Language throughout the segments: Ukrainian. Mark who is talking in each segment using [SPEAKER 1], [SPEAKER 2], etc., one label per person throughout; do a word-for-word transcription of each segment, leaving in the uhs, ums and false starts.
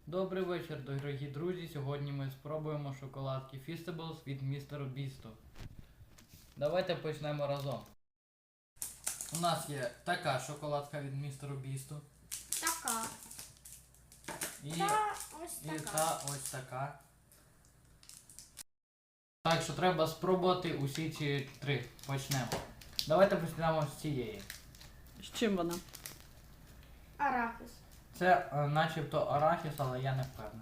[SPEAKER 1] Добрий вечір, дорогі друзі. Сьогодні ми спробуємо шоколадки Feastables від містера Бісту. Давайте почнемо разом. У нас є така шоколадка від містера Бісту.
[SPEAKER 2] Така.
[SPEAKER 1] І,
[SPEAKER 2] Та ось
[SPEAKER 1] і
[SPEAKER 2] така.
[SPEAKER 1] та ось така. Так що треба спробувати усі ці три. Почнемо. Давайте почнемо з цієї.
[SPEAKER 3] З чим вона?
[SPEAKER 2] Арахіс.
[SPEAKER 1] Це е, начебто арахіс, але я не впевнений.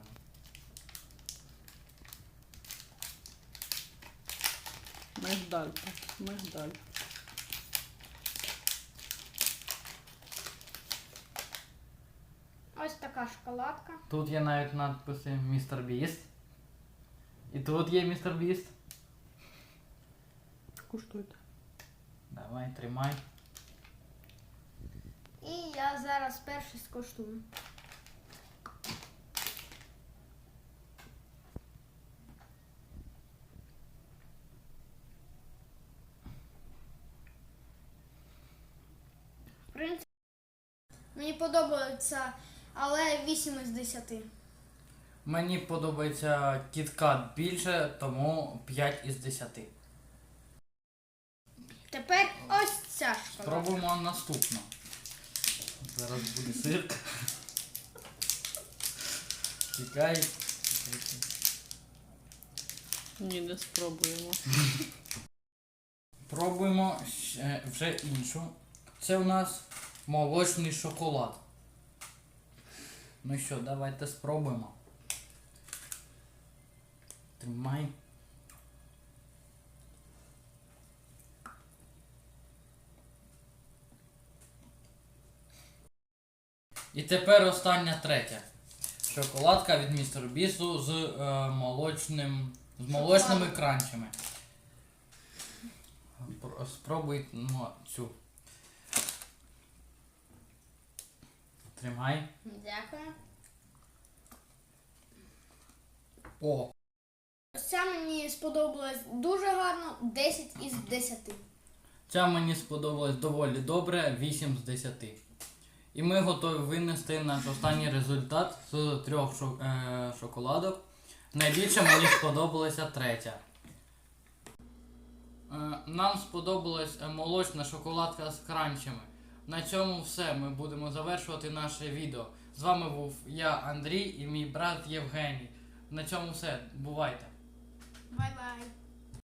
[SPEAKER 3] Мигдаль. Мигдаль.
[SPEAKER 2] Ось така шоколадка.
[SPEAKER 1] Тут є навіть надписи містер Біст. І тут є містер Біст.
[SPEAKER 3] Куштуйте.
[SPEAKER 1] Давай, тримай.
[SPEAKER 2] І я зараз перший скуштую. В принципі, мені подобається, але вісім із десяти.
[SPEAKER 1] Мені подобається кіткат більше, тому п'ять із десяти.
[SPEAKER 2] Тепер ось ця шоколадка.
[SPEAKER 1] Спробуємо наступну. Зараз буде сир. Чекай.
[SPEAKER 3] Ні, не спробуємо.
[SPEAKER 1] Пробуємо ще- вже іншу. Це у нас молочний шоколад. Ну що, давайте спробуємо. Тримай. І тепер остання третя. Шоколадка від містера Бісту з е, молочним, з молочними
[SPEAKER 2] Шоколад.
[SPEAKER 1] кранчами. Про- Спробуймо цю. Тримай.
[SPEAKER 2] Дякую.
[SPEAKER 1] О,
[SPEAKER 2] Ось ця мені сподобалась дуже гарно, десять із десяти.
[SPEAKER 1] ця мені сподобалась доволі добре, вісім з десяти. І ми готові винести наш останній результат з трьох шо- е, шоколадок. Найбільше мені сподобалася третя. Е, нам сподобалась е, молочна шоколадка з кранчами. На цьому все. Ми будемо завершувати наше відео. З вами був я, Андрій, і мій брат Євгеній. На цьому все. Бувайте!
[SPEAKER 2] Бай-бай.